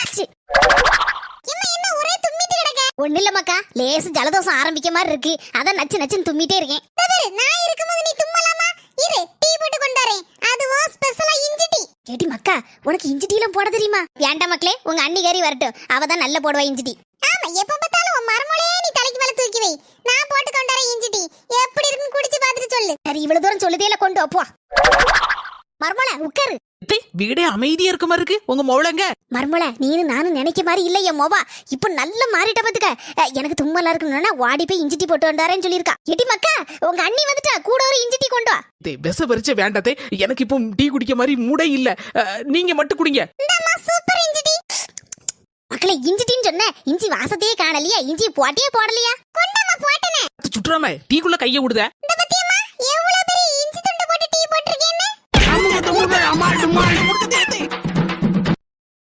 C. என்ன ஒரே தும்மிட்டு கிடக்க? ஒண்ணு இல்ல மக்கா, லேசு ஜலதோஷம் ஆரம்பிக்க மாதிரி இருக்கு. அதான் நச்சு நச்சுன்னு தும்மிட்டே இருக்கேன். நான் இருக்கும்போது நீ தும்மலாமா? இரு, டீ போட்டு கொண்டு வரேன். அதுவும் ஸ்பெஷலா இஞ்சி டீ. ஏடி மக்கா, உனக்கு இஞ்சி டீ எல்லாம் போட தெரியுமா? ஏன்டா மக்களே, உங்க அண்ணிகாரி வரட்டும், அவ தான் நல்ல போடுவா இஞ்சி டீ. ஆமா, எப்ப பார்த்தாலும் உன் மரமொளையே நீ தலைக்கு மேல தூக்கி வை. நான் போட்டு கொண்டு வரேன் இஞ்சி டீ. எப்படி இருக்குன்னு குடிச்சு பார்த்துட்டு சொல்லு. சரி, இவ்வளவு தூரம் சொல்லுதே இல்ல, கொண்டு வா. மரமொளை உட்காரு. வீடே அமைதியா இருக்க மாதிரி இருக்கு. உங்க மொழங்க மர்மல, நீனு நானும் நினைக்க மாதிரி இல்ல என் மோவா. இப்ப நல்ல மாறிட்ட பாத்துக்க. எனக்கு தும்மலா இருக்கணும்னா வாடி போய் இஞ்சி டீ போட்டு வந்தாரேன்னு சொல்லியிருக்கா. எடி மக்கா, உங்க அண்ணி வந்துட்டா, கூட ஒரு இஞ்சி டீ கொண்டு வா. விச பறிச்ச வேண்டாத்தே, எனக்கு இப்போ டீ குடிக்க மாதிரி மூடே இல்ல. நீங்க மட்டும் குடிங்க. இந்தம்மா சூப்பர் இஞ்சி டீ. மக்களே, இஞ்சி டீன்னு சொன்ன, இஞ்சி வாசத்தையே காணலையா? இஞ்சி போட்டியே போடலையா? கொண்டம்மா போட்டனே. சுற்றுறாம டீக்குள்ள கைய விடுத. இந்த பத்தியம்மா, எவ்வளவு பெரிய இஞ்சி துண்டு போட்டு டீ போட்டுருக்கேன்னு. அம்மா